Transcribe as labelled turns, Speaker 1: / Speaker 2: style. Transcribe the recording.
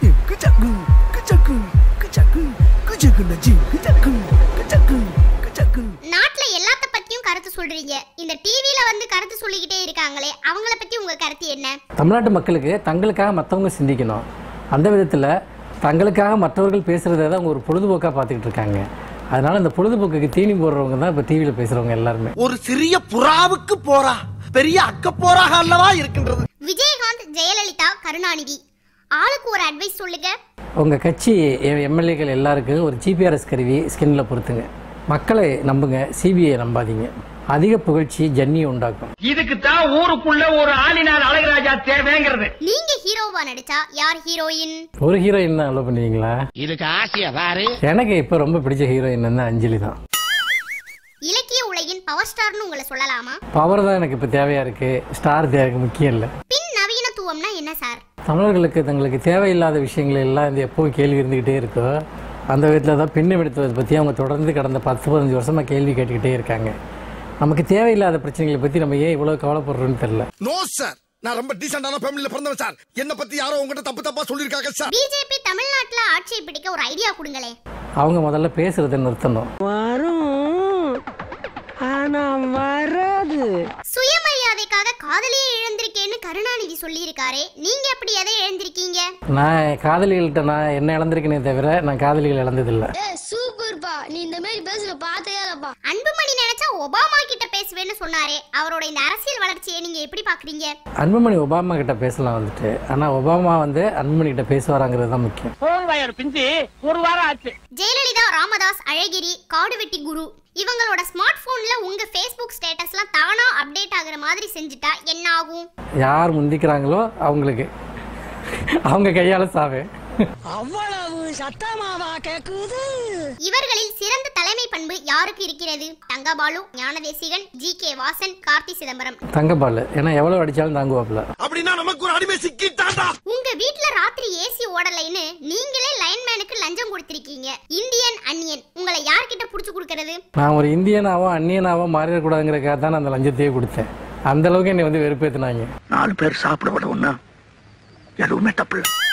Speaker 1: நாட்டுல எல்லாத்த பத்தியும் கருத்து சொல்றீங்க. இந்த டிவில வந்து கருத்து சொல்லிக்கிட்டே இருக்காங்களே, அவங்கள பத்தி உங்க கருத்து என்ன?
Speaker 2: தமிழ்நாட்டு மக்களுக்கு தங்களுக்காக மற்றவங்க சிந்திக்கணும். அந்த விதத்தில் தங்களுக்காக மற்றவர்கள் பேசுகிறத தான் அவங்க ஒரு பொழுதுபோக்காக பார்த்துக்கிட்டு இருக்காங்க. அதனால இந்த பொழுதுபோக்குக்கு தீனி போடுறவங்க தான் இப்போ டிவியில் பேசுகிறவங்க எல்லாருமே.
Speaker 3: ஒரு சிறிய புறாவுக்கு போரா பெரிய அக்க போராக அல்லவா இருக்கின்றது.
Speaker 1: விஜயகாந்த், ஜெயலலிதா, கருணாநிதி ஆளுக்கு ஒரு அட்வைஸ் சொல்லுங்க.
Speaker 2: உங்கள் கட்சி எம்எல்ஏக்கள் எல்லாருக்கும் ஒரு ஜிபிஆர்எஸ் கருவி ஸ்கின்ல பொறுத்துங்க. மக்களை நம்புங்க, சிபிஐ நம்பாதீங்க. அதிக புகழ்ச்சி ஜன்னியை உண்டாக்கும்.
Speaker 4: இதுக்கு தான் ஊருக்குள்ள ஒரு ஆளினார் அழகராஜா தேவைங்கிறது.
Speaker 1: நீங்க ஹீரோவா நடிச்சா யார் ஹீரோயின்?
Speaker 2: ஒரு ஹீரோயின் தான் அலோ பண்ணுவீங்களா?
Speaker 4: இதுக்கு ஆசையா பாரு.
Speaker 2: எனக்கு இப்போ ரொம்ப பிடிச்ச ஹீரோயின் வந்து அஞ்சலி தான்.
Speaker 1: இலக்கிய உலகின் பவர் ஸ்டார்னு உங்களை சொல்லலாமா?
Speaker 2: பவர் தான் எனக்கு இப்போ தேவையா இருக்கு, ஸ்டார் தேவைக்கு முக்கியம் இல்லை.
Speaker 1: பின் நவீனத்துவம்னா என்ன சார்?
Speaker 2: தமிழர்களுக்கு தங்களுக்கு தேவையில்லாத விஷயங்கள் எல்லாம் இந்த எப்பவும் கேள்வி இருந்துக்கிட்டே இருக்கோ, அந்த விதத்தில் தான் பின்னம் எடுத்ததை பற்றி அவங்க தொடர்ந்து கடந்த 10-15 வருஷமாக கேள்வி கேட்டுக்கிட்டே இருக்காங்க. நமக்கு தேவையில்லாத பிரச்சனைகளை பற்றி நம்ம ஏன் இவ்வளோ கவலைப்படுறோன்னு தெரியல.
Speaker 3: நோ சார், நான் ரொம்ப டீசென்டான ஃபேமிலில பிறந்தவன் சார். என்ன பத்தி யாரோ உங்ககிட்ட தப்பா சொல்லிருக்காங்க சார்.
Speaker 1: பிஜேபி தமிழ்நாட்டுல ஆட்சியை பிடிக்க ஒரு ஐடியா கொடுங்களே.
Speaker 2: அவங்க முதல்ல பேசுறதை நிறுத்தணும்.
Speaker 1: சுயமரியாதைக்காக காதலியே இழந்திருக்கேன்னு கருணாநிதி சொல்லியிருக்காரே, நீங்க எப்படி எதை இழந்திருக்கீங்க?
Speaker 2: நான் காதலிகள்கிட்ட நான் என்ன இழந்திருக்கேனே தவிர நான் காதலிகள் இழந்ததில்லை.
Speaker 5: சூப்பர்பா, நீ இந்த மாதிரி பேசுற பார்த்தேயாப்பா.
Speaker 1: அன்புமணி நினைச்சா ஒபாமா கிட்ட பேசுவேன்னு சொன்னாரே, அவரோட இந்த அரசியல் வளர்ச்சியை நீங்க எப்படி பாக்குறீங்க?
Speaker 2: அன்புமணி ஒபாமா கிட்ட பேசலாம் வந்துட்டு, ஆனா ஒபாமா வந்து அன்புமணி கிட்ட பேசுவாராங்கிறது தான் முக்கியம்.
Speaker 4: ஒரு வாரம் ஆச்சு.
Speaker 1: ஜெயலலிதா, ராமதாஸ், அழகிரி, காடுவெட்டி குரு இவங்களோட ஸ்மார்ட் போன்ல உங்க Facebook ஸ்டேட்டஸ்லாம் தானா அப்டேட் ஆகுற மாதிரி செஞ்சுட்டா என்ன ஆகும்?
Speaker 2: யார் முந்திக்கிறாங்களோ அவங்களுக்கு அவங்க கையால சாவே.
Speaker 6: அவ்வளவு சத்தமாவா கேக்குது?
Speaker 1: இவர்களில் சிறந்த தலைமை பண்பு யாருக்கு இருக்கிறது? தங்கபாலு, ஞானதேசிகன், ஜி.கே. வாசன், கார்த்தி சிதம்பரம்.
Speaker 2: தங்கபாலு ஏன்னா எவ்வளவு அடிச்சாலும் தாங்குவாப்ல.
Speaker 3: அப்படின்னா நமக்கு ஒரு அடிமை சிக்கிட்டாடா.
Speaker 1: உங்க வீட்ல ராத்திரி ஏசி ஓடலைன்னு நீங்களே லைன்மேனுக்கு லஞ்சம் கொடுத்திருக்கீங்க. இந்தியன் அன்னியன் உங்களை யார்கிட்ட புடிச்சு கொடுக்கிறது?
Speaker 2: நான் ஒரு இந்தியனாவோ அந்நியனாவோ மாறிடக்கூடாதுங்கிறதுக்காக தான் நான் அந்த லஞ்சத்தையே கொடுத்தேன். அந்த அளவுக்கு என்னை வந்து வெறுப்பேத்தினாங்க.
Speaker 3: 4 பேர் சாப்பிட விட ஒண்ணா எதுவுமே தப்பு.